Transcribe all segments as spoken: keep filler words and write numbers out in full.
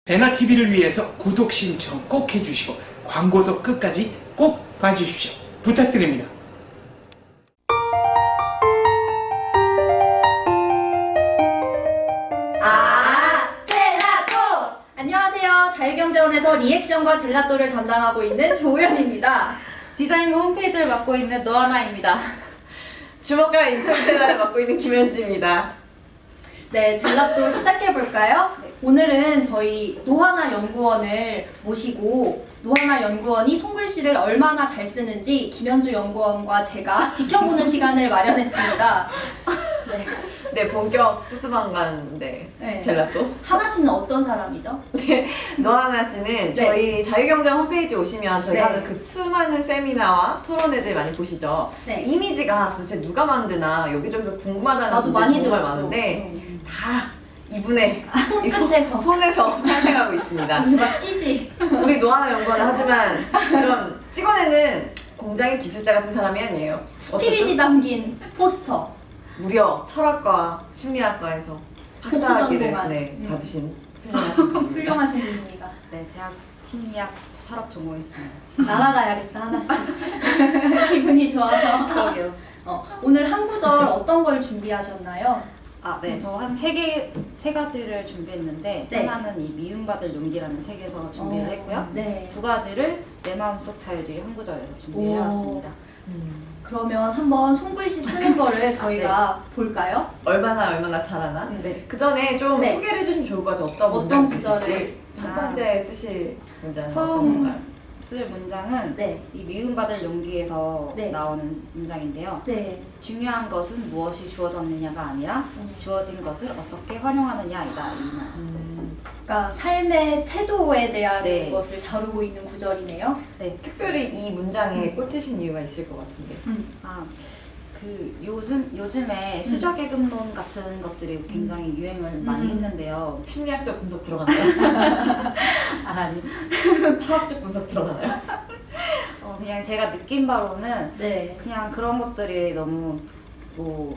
배나티비를 위해서 구독 신청 꼭 해주시고 광고도 끝까지 꼭 봐주십시오. 부탁드립니다. 아, 젤라또! 안녕하세요. 자유경제원에서 리액션과 젤라또를 담당하고 있는 조우연입니다. 디자인과 홈페이지를 맡고 있는 노하나입니다. 주먹과 인터뷰 채널을 맡고 있는 김현주입니다. 네, 젤라또 시작해볼까요? 오늘은 저희 노하나 연구원을 모시고 노하나 연구원이 손글씨를 얼마나 잘 쓰는지 김현주 연구원과 제가 지켜보는 시간을 마련했습니다. 네. 네, 본격 수수방관 네, 네. 젤라또. 하나 씨는 어떤 사람이죠? 네, 노하나 씨는 저희 자유경제 홈페이지 오시면 저희 네. 하는 그 수많은 세미나와 토론회들 많이 보시죠. 네. 이미지가 도대체 누가 만드나 여기저기서 궁금하다는 나도 분들 많이 정말 들었어. 많은데 음. 다 이분의 이 손끝에서. 손에서 탄생하고 있습니다. 우리 막 씨지. 우리 노하나 연구원은 하지만 그런 찍어내는 공장의 기술자 같은 사람이 아니에요. 스피릿이 담긴 포스터. 무려 철학과 심리학과에서 복수 학사학위를 전공한. 네, 음. 받으신 훌륭하신 분입니다. 훌륭하신 분입니다. 네, 대학 심리학 철학 전공했습니다. 날아가야겠다 하나씩. 기분이 좋아서. 그러게요. 어, 오늘 한 구절 어떤 걸 준비하셨나요? 아, 네, 저 한 세 개, 세 가지를 준비했는데 네. 하나는 이 미움받을 용기라는 책에서 준비를 어, 했고요. 네. 두 가지를 내 마음속 자유주의 한 구절에서 준비해왔습니다. 음, 그러면 한번 손글씨 쓰는 거를 저희가 볼까요? 얼마나 얼마나 잘하나? 네. 그 전에 좀 네. 소개를 해주시면 좋을 것 같아요. 어떤 어떤 문장이 있을지. 구절을? 첫 아. 번째 쓰실 문장은 어떤 처음 건가요? 쓸 문장은 네. 이 미움받을 용기에서 네. 나오는 문장인데요. 네. 중요한 것은 무엇이 주어졌느냐가 아니라 음. 주어진 것을 어떻게 활용하느냐이다. 이 말. 음, 그러니까 삶의 태도에 대한 네. 것을 다루고 있는 구절이네요. 네, 특별히 이 문장에 꽂히신 이유가 있을 것 같은데. 음. 아, 그 요즘 요즘에 수저계급론 같은 것들이 굉장히 유행을 많이 음. 했는데요. 심리학적 분석 들어가나요? 아, 아니, 철학적 분석 들어가나요? 어, 그냥 제가 느낀 바로는 네. 그냥 그런 것들이 너무 뭐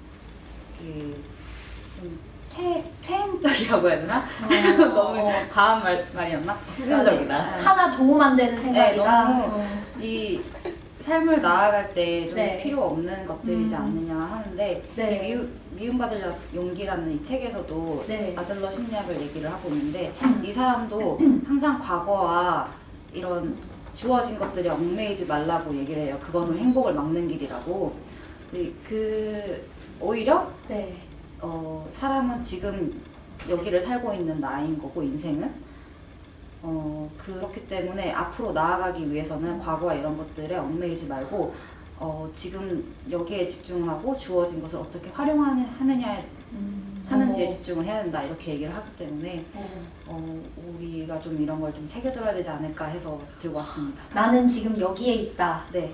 그, 좀 퇴, 퇴행적이라고 해야 되나? 어, 너무 어. 과한 말, 말이었나? 후진적이다. 하나 도움 안 되는 생각이다. 너무 어. 이 삶을 나아갈 때 좀 네. 필요 없는 것들이지 음. 않느냐 하는데 네. 이 미움, 미움받을 용기라는 이 책에서도 네. 아들러 심리학을 얘기를 하고 있는데 음. 이 사람도 항상 과거와 이런 주어진 것들이 얽매이지 말라고 얘기를 해요. 그것은 행복을 막는 길이라고. 그, 그 오히려 네. 어, 사람은 지금 여기를 살고 있는 나인 거고 인생은 어, 그렇기 때문에 앞으로 나아가기 위해서는 과거와 이런 것들에 얽매이지 말고 어, 지금 여기에 집중을 하고 주어진 것을 어떻게 활용하느냐 음. 하는지에 어. 집중을 해야 된다 이렇게 얘기를 하기 때문에 어. 어, 우리가 좀 이런 걸 좀 새겨들어야 되지 않을까 해서 들고 왔습니다. 나는 지금 여기에 있다. 네,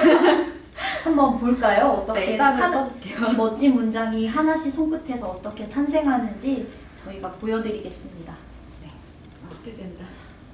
한번 볼까요? 어떻게 네 일단은 하나- 써볼게요. 이 멋진 문장이 하나씩 손끝에서 어떻게 탄생하는지 저희가 보여드리겠습니다. 기대된다.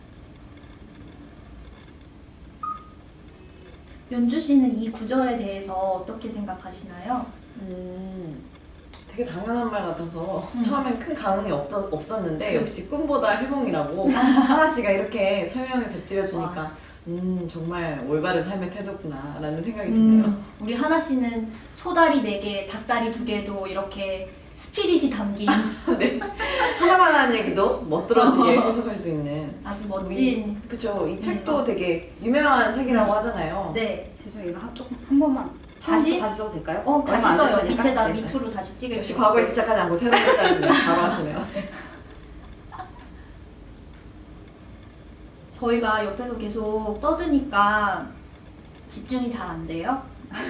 연주 씨는 이 구절에 대해서 어떻게 생각하시나요? 음, 되게 당연한 말 같아서 음. 처음엔 큰 감흥이 없, 없었는데 역시 꿈보다 해몽이라고 하나 씨가 이렇게 설명을 곁들여주니까 음 정말 올바른 삶의 태도구나 라는 생각이 드네요. 음, 우리 하나 씨는 소다리 네 개, 닭다리 두 개도 이렇게 스피릿이 담긴 네. 하나만 하는 얘기도 멋들어지게 해석할 수 있는 아주 멋진. 그쵸. 이 책도 되게 유명한 책이라고 하잖아요. 네. 죄송해요. 이거 한, 조금, 한 번만 다시? 다시 다시 써도 될까요? 어, 얼마 다시 안 써요. 됐으니까. 밑에다 네, 네. 밑으로 다시 찍을게요. 역시 과거에 집착하지 않고 새로운 시작을 바로 하시네요. 저희가 옆에서 계속 떠드니까 집중이 잘 안 돼요.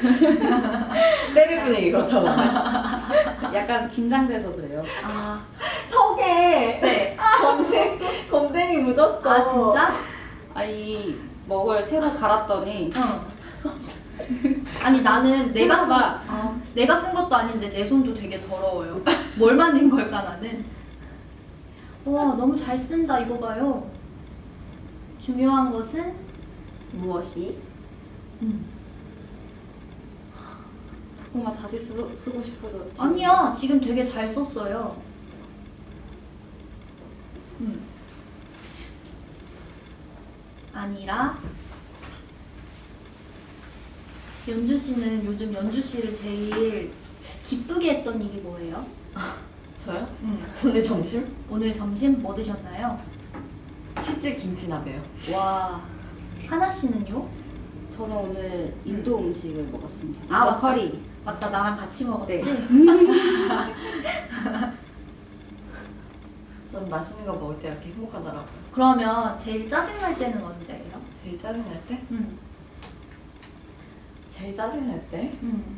때릴 분위기 그렇다고 하나요? 약간 긴장돼서 그래요. 아, 턱에 네. 검댕, 검댕이 묻었어. 아 진짜? 아, 이 먹을 새로 갈았더니 응. 아니 나는 내가 쓴, 생각보다- 아, 내가 쓴 것도 아닌데 내 손도 되게 더러워요. 뭘 만진 걸까 나는? 와 너무 잘 쓴다 이거 봐요. 중요한 것은 무엇이? 음. 자꾸만 다시 쓰, 쓰고 싶어져. 아니야 지금 되게 잘 썼어요. 음. 아니라 연주 씨는 요즘 연주 씨를 제일 기쁘게 했던 일이 뭐예요? 저요? 음. 오늘 점심? 오늘 점심 뭐 드셨나요? 치즈 김치나베요. 와, 하나 씨는요? 저는 오늘 인도 음식을 먹었습니다. 인도 아, 맞다. 커리. 맞다, 나랑 같이 먹었지? 네. 전 맛있는 거 먹을 때 이렇게 행복하더라고요. 그러면 제일 짜증날 때는 언제예요? 제일 짜증날 때? 음. 제일 짜증날 때? 음.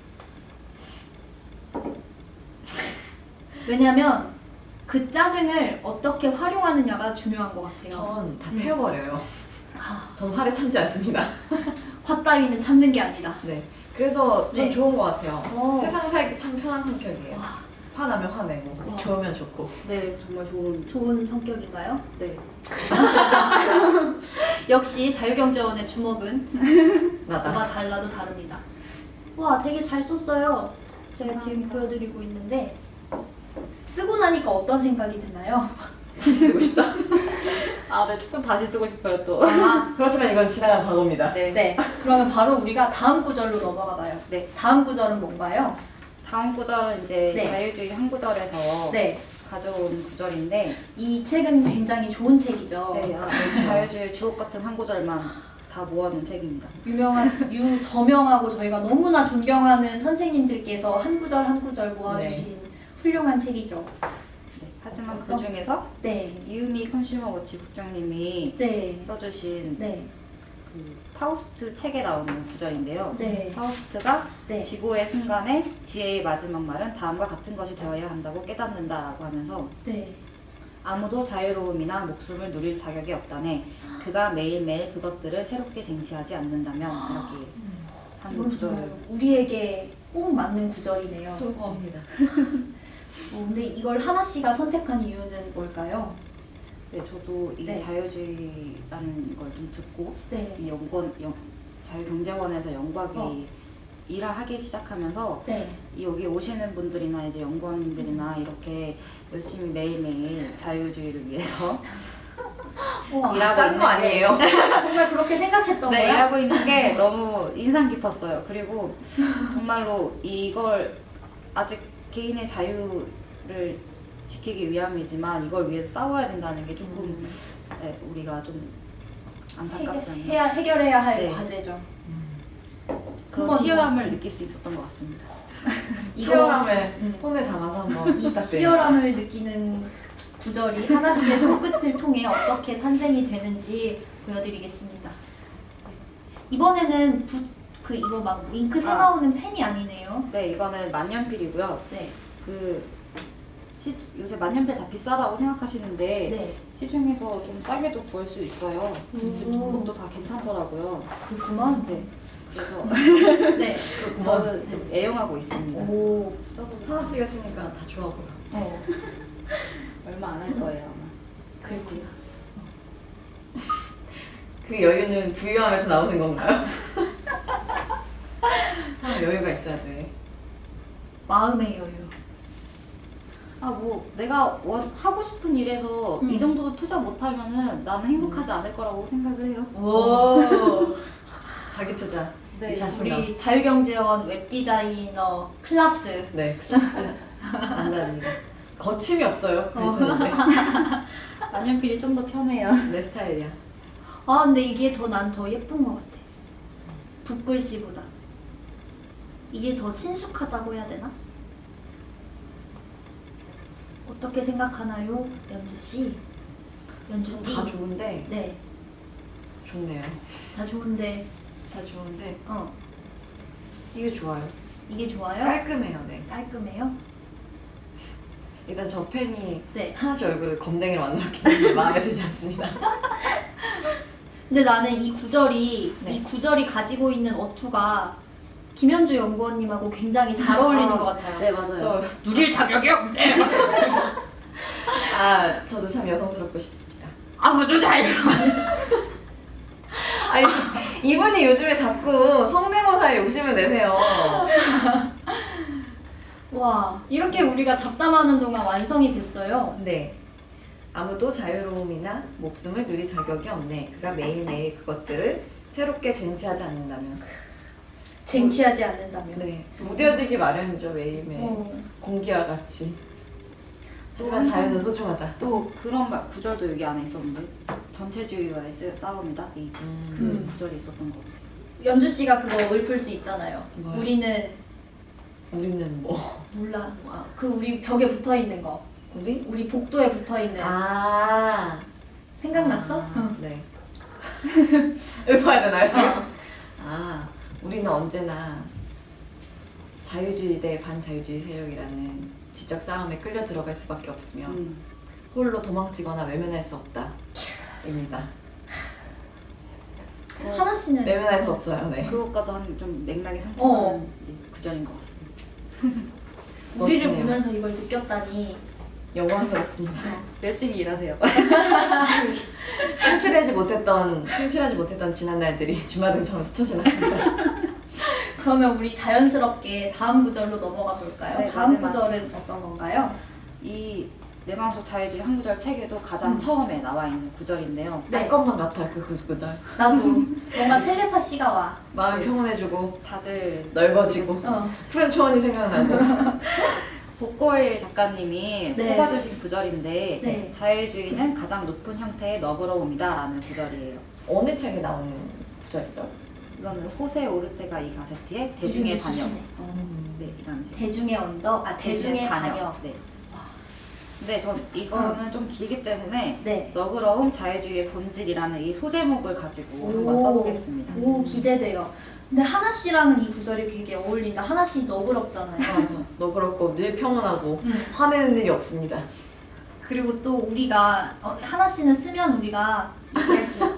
왜냐면 그 짜증을 어떻게 활용하느냐가 중요한 것 같아요. 전 다 음. 태워버려요. 아, 전 화를 참지 않습니다. 화 따위는 참는 게 아니다. 네. 그래서 좀 네. 좋은 것 같아요. 오. 세상 살기 참 편한 성격이에요. 와, 화나면 화내고, 와. 좋으면 좋고. 네, 정말 좋은. 좋은 성격인가요? 네. 역시 자유경제원의 주먹은 나다. 뭐가 달라도 다릅니다. 와, 되게 잘 썼어요. 제가 지금 보여드리고 있는데 쓰고 나니까 어떤 생각이 드나요? 다시 쓰고 싶다. 아, 네, 조금 다시 쓰고 싶어요 또. 아, 그렇지만 이건 지나간 과거입니다. 네. 네. 그러면 바로 우리가 다음 구절로 넘어가 봐요. 네. 다음 구절은 뭔가요? 다음 구절은 이제 네. 자유주의 한 구절에서 네. 가져온 구절인데, 이 책은 굉장히 좋은 책이죠. 네, 아, 네, 자유주의 주옥 같은 한 구절만 다 모아놓은 책입니다. 유명한 유저명하고 저희가 너무나 존경하는 선생님들께서 한 구절 한 구절 모아주신 훌륭한 책이죠. 네, 하지만 그 중에서 네. 이유미 컨슈머워치 국장님이 네. 써주신 네. 그 파우스트 책에 나오는 구절인데요. 네. 파우스트가 네. 지고의 순간에 지혜의 마지막 말은 다음과 같은 것이 되어야 한다고 깨닫는다라고 하면서, 네. 아무도 자유로움이나 목숨을 누릴 자격이 없다네 그가 매일매일 그것들을 새롭게 쟁취하지 않는다면, 이렇게 한 이건 구절을. 정말 우리에게 꼭 맞는 구절이네요. 수고합니다. 어, 근데 이걸 하나 씨가 선택한 이유는 뭘까요? 네, 저도 이 네. 자유주의라는 걸 좀 듣고 네. 이 연구원, 영, 자유경제원에서 연구하기 어. 일을 하기 시작하면서 네. 이 여기 오시는 분들이나 이제 연구원들이나 이렇게 열심히 매일매일 자유주의를 위해서 우와, 일하고 짠 거 있는데 아니에요? 정말 그렇게 생각했던 네, 거야? 일하고 있는 게 너무 인상 깊었어요. 그리고 정말로 이걸 아직 개인의 자유를 지키기 위함이지만 이걸 위해서 싸워야 된다는 게 조금 음. 네, 우리가 좀 안타깝지 않나. 해야, 해결해야 할 네. 과제죠. 그런 한번 치열함을 느낄 수 있었던 것 같습니다. 이거- 치열함을 음. 혼에 담아서 한번 이 부탁드립니다. 치열함을 느끼는 구절이 하나씩의 손끝을 통해 어떻게 탄생이 되는지 보여드리겠습니다. 이번에는 붓, 그 이거 막 잉크 새 아. 나오는 펜이 아니네요. 네, 이거는 만년필이고요. 네. 그 시, 요새 만년필 다 비싸다고 생각하시는데 네. 시중에서 좀 싸게도 구할 수 있어요. 근데 오. 그것도 다 괜찮더라고요. 그렇구만. 네. 그래서 네. 저는 좀 애용하고 있습니다. 오. 하나씩 했으니까 다 좋아 보여. 어. 얼마 안 할 거예요, 아마. 그렇구나. 그 여유는 부유함에서 나오는 건가요? 아, 여유가 있어야 돼. 마음의 여유. 아, 뭐 내가 원, 하고 싶은 일에서 음. 이 정도도 투자 못하면은 나는 행복하지 않을 거라고 생각을 해요. 오. 자기 투자. 네, 자신감. 우리 자유경제원 웹디자이너 클라스. 네, 클래스 만납니다. 거침이 없어요. 글 쓰는데. 만년필이 좀 더 편해요. 내 스타일이야. 아 근데 이게 더 난 더 예쁜 것 같아. 붓글씨보다. 이게 더 친숙하다고 해야 되나? 어떻게 생각하나요, 연주 씨? 연주 씨. 다 좋은데 네, 좋네요. 다 좋은데 다 좋은데 어 이게 좋아요. 이게 좋아요? 깔끔해요. 네. 깔끔해요? 일단 저 팬이 네. 하나씩 얼굴을 검댕이로 만들었기 때문에 마음에 들지 않습니다. 근데 나는 이 구절이 네. 이 구절이 가지고 있는 어투가 김현주 연구원님하고 굉장히 잘 어울리는 아, 것 같아요. 네, 맞아요. 저, 누릴 자격이 없네. 아, 저도 참 여성스럽고 싶습니다. 아무도 잘. 아니, 이분이 요즘에 자꾸 성대모사에 욕심을 내세요. 와, 이렇게 우리가 잡담하는 동안 완성이 됐어요. 네. 아무도 자유로움이나 목숨을 누릴 자격이 없네. 그가 매일매일 그것들을 새롭게 쟁취하지 않는다면. 쟁취하지 않는다면. 네, 무뎌지기 마련이죠 매일매일. 어. 공기와 같이. 또 하지만 자유는 소중하다. 또 그런 말, 구절도 여기 안에 있었는데 전체주의와의 싸- 싸움이다 이 그 음. 구절이 있었던 것 같아요. 연주 씨가 그거 읊을 수 있잖아요. 뭐요? 우리는 우리는 뭐? 몰라. 아, 그 우리 벽에 붙어 있는 거. 우리? 우리 복도에 붙어 있는. 아. 생각났어? 아, 응. 네. 읊어야 되나요 지금? 어. 아, 우리는 언제나 자유주의 대 반자유주의 세력이라는 지적 싸움에 끌려 들어갈 수밖에 없으며 음. 홀로 도망치거나 외면할 수 없다. 입니다. 어, 하나 씨는 외면할 수 없어요. 네. 그것과도 한 좀 맥락이 상통하는 어. 구절인 것 같습니다. 우리를 멋지네요. 보면서 이걸 느꼈다니. 영광스럽습니다. 열심히 일하세요. 충실하지 못했던 충실하지 못했던 지난 날들이 주마등처럼 스쳐 지났습니다. 그러면 우리 자연스럽게 다음 구절로 넘어가 볼까요? 네, 다음 마지막. 구절은 어떤 건가요? 이 내 마음속 자유주의 한 구절 책에도 가장 음. 처음에 나와 있는 구절인데요. 네. 날 것만 같아 그 구절. 나도 뭔가 텔레파시가 와. 마음이 네. 평온해지고 다들 넓어지고 어. 푸른 초원이 생각나고. 복골 작가님이 네. 뽑아주신 구절인데 네. 자유주의는 가장 높은 형태의 너그러움이다라는 구절이에요. 어느 책에 나오는 구절이죠? 이거는 호세 오르테가 이 가세티의 대중의 반역. 기시네. 네, 이런 책. 대중의 언덕, 아 대중의 반역. 네. 근데 전 이거는 좀 길기 때문에 네. 너그러움 자유주의의 본질이라는 이 소제목을 가지고 한번 오. 써보겠습니다. 오 기대돼요. 근데 하나 씨랑은 이 구절이 되게 어울린다. 하나 씨 너그럽잖아요. 맞아. 너그럽고 늘 평온하고 음. 화내는 일이 없습니다. 그리고 또 우리가 어, 하나 씨는 쓰면 우리가 얘기할게요.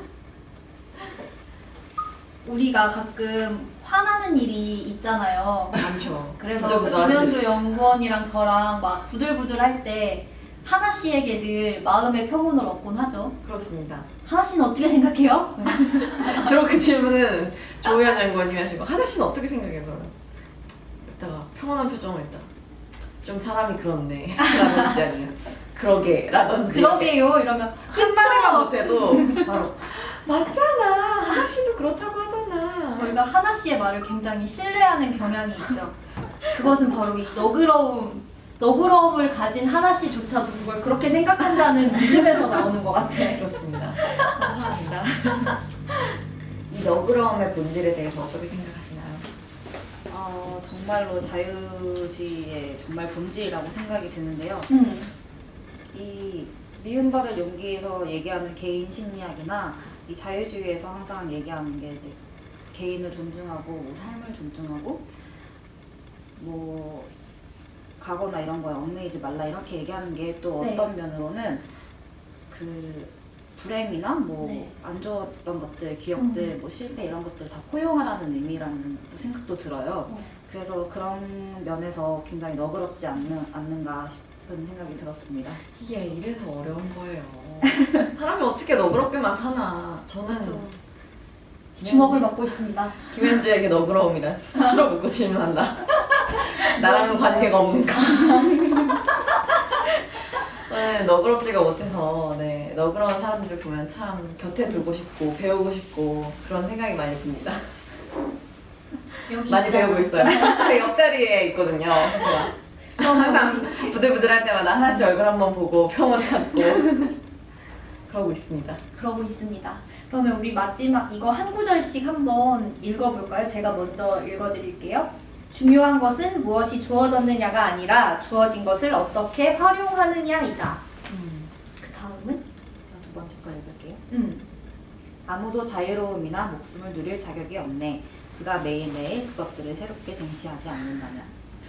우리가 가끔 화나는 일이 있잖아요. 많죠. 그래서 부들부들하지. 김현수 연구원이랑 저랑 막 부들부들 할 때 하나 씨에게 늘 마음의 평온을 얻곤 하죠. 그렇습니다. 하나 씨는 어떻게 생각해요? 주로 그 질문은 조우현 연구원님이 하시고 하나 씨는 어떻게 생각해요? 그러면 이따가 평온한 표정을 했다. 좀 사람이 그렇네. 라든지 아니면 그러게 라든지 그러게요 이러면 한마디만 못해도 바로 맞잖아. 하나 씨도 그렇다고 하잖아. 저희가 하나 씨의 말을 굉장히 신뢰하는 경향이 있죠. 그것은 바로 이 너그러움, 너그러움을 가진 하나 씨조차도 그걸 그렇게 생각한다는 믿음에서 나오는 것 같아. 그렇습니다. 감사합니다. 이 너그러움의 본질에 대해서 어떻게 생각하시나요? 어, 정말로 자유주의의 정말 본질이라고 생각이 드는데요. 음, 이 미움받을 용기에서 얘기하는 개인 심리학이나 이 자유주의에서 항상 얘기하는 게 이제 개인을 존중하고 뭐 삶을 존중하고 뭐 가거나 이런 거에 얽매이지 말라 이렇게 얘기하는 게 또 네. 어떤 면으로는 그 불행이나 뭐 안 네. 좋았던 것들, 기억들, 음. 뭐 실패 이런 것들 다 포용하라는 의미라는 또 생각도 들어요. 어. 그래서 그런 면에서 굉장히 너그럽지 않는, 않는가 싶은 생각이 들었습니다. 이게 이래서 어려운 거예요. 사람이 어떻게 너그럽게만 사나. 저는 그렇죠. 김현주- 주먹을 맡고 있습니다. 김현주에게 너그러움이란 스스로 묻고 질문한다. 나랑은 관계가 없는가? 저는 너그럽지가 못해서 네, 너그러운 사람들을 보면 참 곁에 두고 싶고 배우고 싶고 그런 생각이 많이 듭니다. 여기 많이 있잖아. 배우고 있어요. 제 옆자리에 있거든요. 사실 항상 부들부들할 때마다 하나씩 얼굴 한번 보고 평온 찾고 그러고 있습니다. 그러고 있습니다. 그러면 우리 마지막 이거 한 구절씩 한번 읽어볼까요? 제가 먼저 읽어드릴게요. 중요한 것은 무엇이 주어졌느냐가 아니라 주어진 것을 어떻게 활용하느냐이다. 음. 그 다음은? 제가 두 번째 걸 읽을게요. 음. 아무도 자유로움이나 목숨을 누릴 자격이 없네. 그가 매일매일 그것들을 새롭게 쟁취하지 않는다면.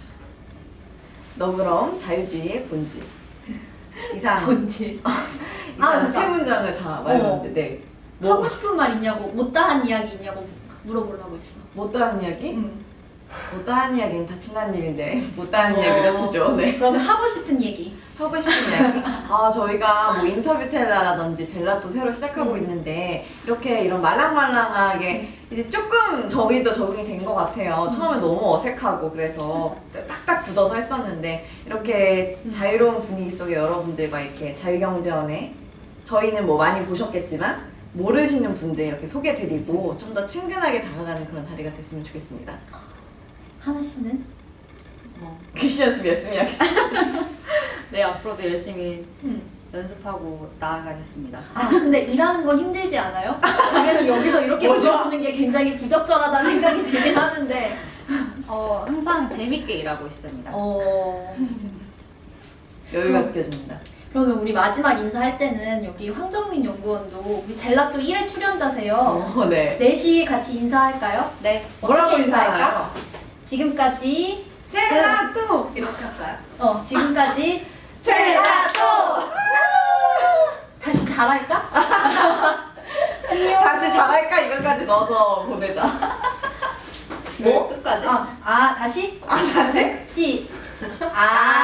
너그러움, 자유주의의 본질. 이상 뭔지. 이상 아, 세 됐다. 문장을 다 말했는데 네. 하고 뭐 싶은 말 있냐고, 못다한 이야기 있냐고 물어보려고 했어. 못다한 이야기? 음. 못다한 이야기는 다 지난 일인데 못다한 이야기를 주죠. 네. 그러면 하고 싶은 얘기. 하고 싶은 이야기? 아, 저희가 뭐 인터뷰 텔라라든지 젤라또 새로 시작하고 음. 있는데 이렇게 이런 말랑말랑하게 이제 조금 저희도 적응이 된 것 같아요. 처음에 너무 어색하고 그래서 딱딱 굳어서 했었는데 이렇게 자유로운 분위기 속에 여러분들과 이렇게 자유경제원에 저희는 뭐 많이 보셨겠지만 모르시는 분들 이렇게 소개드리고 좀 더 친근하게 다가가는 그런 자리가 됐으면 좋겠습니다. 하나 씨는? 어, 귀시 연습 열심히 하겠습니다. 네, 앞으로도 열심히 음. 연습하고 나아가겠습니다. 아 근데 일하는 건 힘들지 않아요? 당연히 여기서 이렇게 뭐죠? 물어보는 게 굉장히 부적절하다는 생각이 들긴 하는데 어, 항상 재밌게 일하고 있습니다. 어... 여유가 느껴집니다. 그러면 우리 마지막 인사할 때는 여기 황정민 연구원도 우리 젤라또 일 회 출연자세요. 어, 네. 넷이 같이 인사할까요? 네, 뭐라고 어떻게 인사할까? 지금까지 젤라또! 이렇게 할까요? 어 지금까지 젤라또! 다시 잘할까? 안녕. 다시 잘할까? 이거까지 넣어서 보내자. 뭐? 끝까지? 아, 아 다시? 아, 다시? 시. 아.